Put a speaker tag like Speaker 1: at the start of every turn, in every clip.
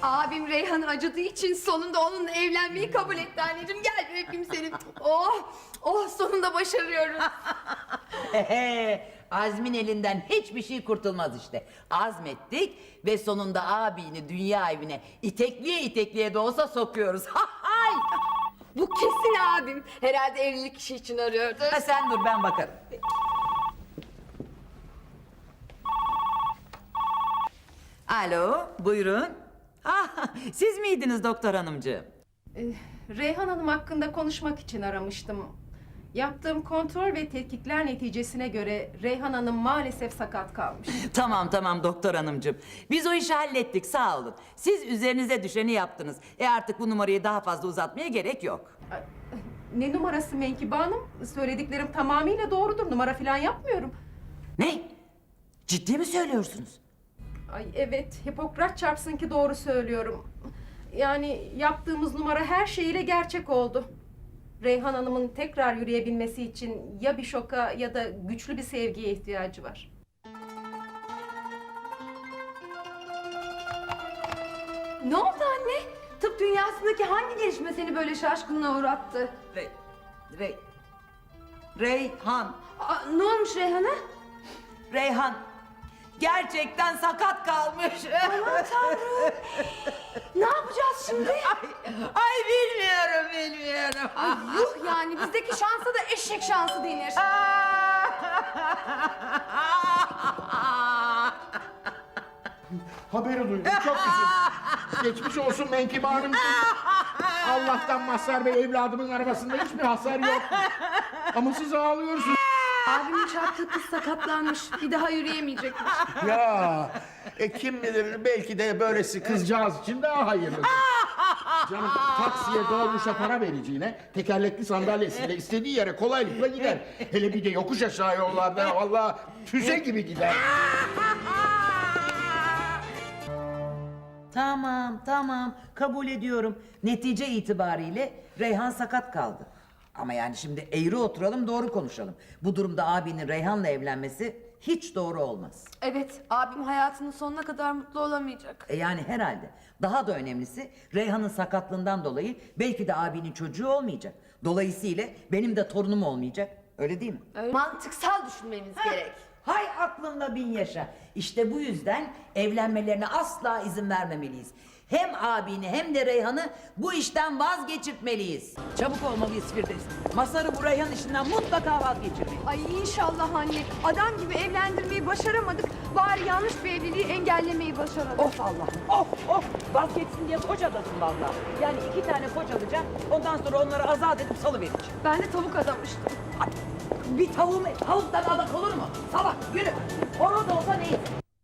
Speaker 1: Abim Reyhan'ı acıdığı için sonunda onunla evlenmeyi kabul etti anneciğim. Gel bir öpeyim seni. Oh, oh sonunda başarıyoruz.
Speaker 2: Azmin elinden hiçbir şey kurtulmaz işte. Azmettik ve sonunda abini dünya evine itekliye itekliye de olsa sokuyoruz. Hay!
Speaker 1: Bu kesin abim. Herhalde evlilik işi için arıyordu.
Speaker 2: Ha, sen dur ben bakarım. Alo, buyurun. Ah, siz miydiniz doktor hanımcığım?
Speaker 3: Reyhan Hanım hakkında konuşmak için aramıştım. Yaptığım kontrol ve tetkikler neticesine göre Reyhan Hanım maalesef sakat kalmış.
Speaker 2: Tamam doktor hanımcığım. Biz o işi hallettik, sağ olun. Siz üzerinize düşeni yaptınız. Artık bu numarayı daha fazla uzatmaya gerek yok.
Speaker 3: Ne numarası Menkibe Hanım? Söylediklerim tamamıyla doğrudur. Numara falan yapmıyorum.
Speaker 2: Ne? Ciddi mi söylüyorsunuz?
Speaker 3: Ay evet, Hipokrat çarpsın ki doğru söylüyorum. Yani yaptığımız numara her şeyiyle gerçek oldu. Reyhan Hanım'ın tekrar yürüyebilmesi için ya bir şoka ya da güçlü bir sevgiye ihtiyacı var.
Speaker 1: Ne oldu anne? Tıp dünyasındaki hangi gelişme seni böyle şaşkınlığa uğrattı?
Speaker 2: Reyhan.
Speaker 1: Ne olmuş Reyhan'a?
Speaker 2: Reyhan. Gerçekten sakat kalmış.
Speaker 1: Aman Tanrım. Ne yapacağız şimdi?
Speaker 2: Ay bilmiyorum.
Speaker 1: Yuh yani bizdeki şansa da eşek şansı denir.
Speaker 4: Haberi duydum, çok üzüldüm. Geçmiş olsun Menkibe Hanımcığım. Allah'tan Mazhar Bey evladımın arabasında hiçbir hasar yok. Ama siz ağlıyorsunuz.
Speaker 1: Abimin çarptığı kız sakatlanmış. Bir daha yürüyemeyecekmiş.
Speaker 4: Ya, kim bilir belki de böylesi kızcağız için daha hayırlı. Canım taksiye dolmuşa para vereceğine tekerlekli sandalyesiyle istediği yere kolaylıkla gider. Hele bir de yokuş aşağı yollarda vallahi füze gibi gider.
Speaker 2: Tamam kabul ediyorum. Netice itibariyle Reyhan sakat kaldı. Ama yani şimdi eğri oturalım doğru konuşalım. Bu durumda abinin Reyhan'la evlenmesi hiç doğru olmaz.
Speaker 1: Evet, abim hayatının sonuna kadar mutlu olamayacak.
Speaker 2: Yani herhalde. Daha da önemlisi Reyhan'ın sakatlığından dolayı belki de abinin çocuğu olmayacak. Dolayısıyla benim de torunum olmayacak. Öyle değil mi?
Speaker 1: Mantıksal düşünmemiz gerek.
Speaker 2: Hay aklında bin yaşa. İşte bu yüzden evlenmelerine asla izin vermemeliyiz. Hem abini hem de Reyhan'ı bu işten vazgeçirtmeliyiz. Çabuk olmalıyız Firdevs. Mazhar'ı bu Reyhan işinden mutlaka vazgeçirmeliyiz.
Speaker 1: Ay inşallah anne. Adam gibi evlendirmeyi başaramadık. Bari yanlış bir evliliği engellemeyi başaralım.
Speaker 2: Of Allah'ım, of! Vazgeçsin diye koç adasın vallahi. Yani 2 tane koç alacağım, ondan sonra onları azat edip salıvereceğim.
Speaker 1: Ben de tavuk adamıştım.
Speaker 2: Ay, bir tavuktan adak olur mu? Salak, yürü! Horoz olsa neyse.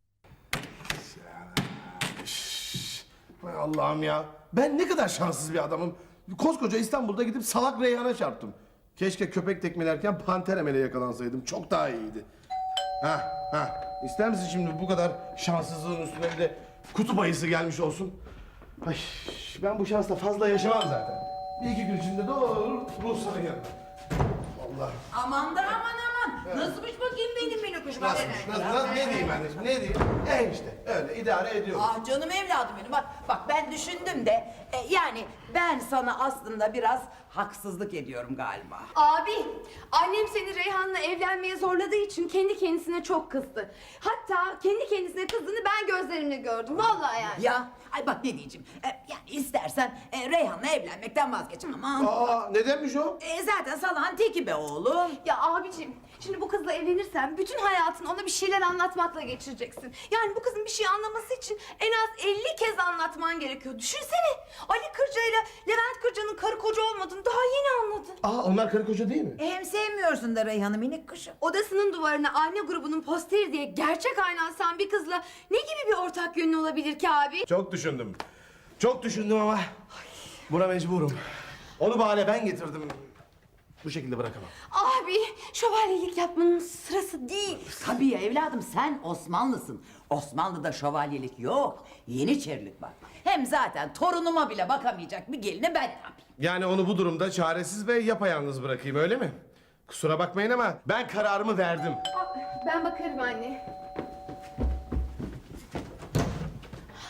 Speaker 4: Hay Allah'ım ya. Ben ne kadar şanssız bir adamım. Koskoca İstanbul'da gidip salak Reyhan'a çarptım. Keşke köpek tekmelerken panter emele yakalansaydım. Çok daha iyiydi. İster misin şimdi bu kadar şanssızlığın üstüne bir de kutup ayısı gelmiş olsun? Ay, ben bu şansla fazla yaşamam zaten. Bir iki gün içinde doğru Ruhsar'ın yanına. Allah.
Speaker 2: Aman. Nasılmış bakayım benim minokuşum?
Speaker 4: Nasıl? Ne diyeyim anneciğim, ne diyeyim? İşte öyle idare ediyorum.
Speaker 2: Ah canım evladım benim. Bak ben düşündüm de yani ben sana aslında biraz haksızlık ediyorum galiba.
Speaker 1: Abi, annem seni Reyhan'la evlenmeye zorladığı için kendi kendisine çok kızdı. Hatta kendi kendisine kızdığını ben gözlerimle gördüm. Vallahi yani.
Speaker 2: Ya ay bak ne diyeceğim. Yani istersen Reyhan'la evlenmekten vazgeçin ama.
Speaker 4: Nedenmiş o?
Speaker 2: Zaten salağın teki be oğlum.
Speaker 1: Ya abicim, şimdi bu kızla evlenirsen bütün hayatını ona bir şeyler anlatmakla geçireceksin. Yani bu kızın bir şey anlaması için en az 50 kez anlatman gerekiyor. Düşünsene, Ali Kırca ile Levent Kırca'nın karı koca olmadığını daha yeni anladın.
Speaker 4: Onlar karı koca değil mi?
Speaker 2: Hem sevmiyorsun da Reyhan'ı minik kuşum.
Speaker 1: Odasının duvarına anne grubunun posteri diye gerçek ayna asan bir kızla ne gibi bir ortak yönün olabilir ki abi?
Speaker 4: Çok düşündüm. Çok düşündüm ama buna mecburum. Onu bahane ben getirdim. Bu şekilde bırakamam.
Speaker 1: Abi, şövalyelik yapmanın sırası değil.
Speaker 2: Tabii ya evladım sen Osmanlısın. Osmanlı'da şövalyelik yok. Yeniçerilik var. Hem zaten torunuma bile bakamayacak bir gelini ben yapayım.
Speaker 4: Yani onu bu durumda çaresiz ve yapayalnız bırakayım öyle mi? Kusura bakmayın ama ben kararımı verdim.
Speaker 1: Ben bakarım anne.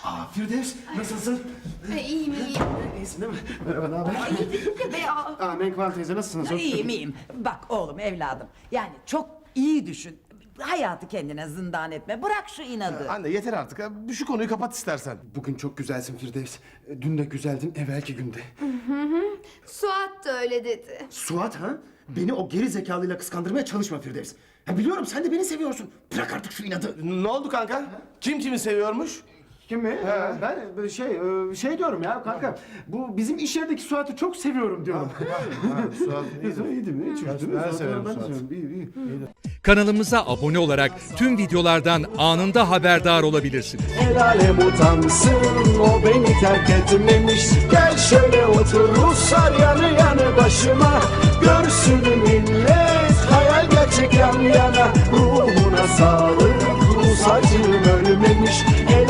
Speaker 5: Firdevs, nasılsın?
Speaker 1: İyiyim.
Speaker 5: İyisin değil mi? Merhaba, ne haber?
Speaker 1: Be ya.
Speaker 5: Menkvan teyze nasılsınız?
Speaker 2: İyiyim. Bak oğlum evladım. Yani çok iyi düşün. Hayatı kendine zindan etme. Bırak şu inadı.
Speaker 4: Anne yeter artık. Şu konuyu kapat istersen.
Speaker 5: Bugün çok güzelsin Firdevs. Dün de güzeldin, evvelki günde.
Speaker 1: Suat da öyle dedi.
Speaker 5: Suat ha? Beni o geri zekalıyla kıskandırmaya çalışma Firdevs. Ha, biliyorum sen de beni seviyorsun. Bırak artık şu inadı.
Speaker 4: Ne oldu kanka? Kim kimi seviyormuş?
Speaker 5: Kim mi? Ben şey diyorum ya kanka. Bu bizim iş yerindeki Suat'ı çok seviyorum diyorum.
Speaker 4: Suat
Speaker 5: İyi değil mi? Hiç
Speaker 4: Ben
Speaker 5: üzüldün mü?
Speaker 4: severim
Speaker 5: Ben
Speaker 4: Suat'ı.
Speaker 5: seviyorum. İyi.
Speaker 6: Kanalımıza abone olarak tüm videolardan anında haberdar olabilirsiniz.
Speaker 7: El alem utansın, o beni terk etmemiş. Gel şöyle otur Ruslar yanı yanı başıma. Görsün millet hayal gerçek yan yana. Ruhuna sağlık.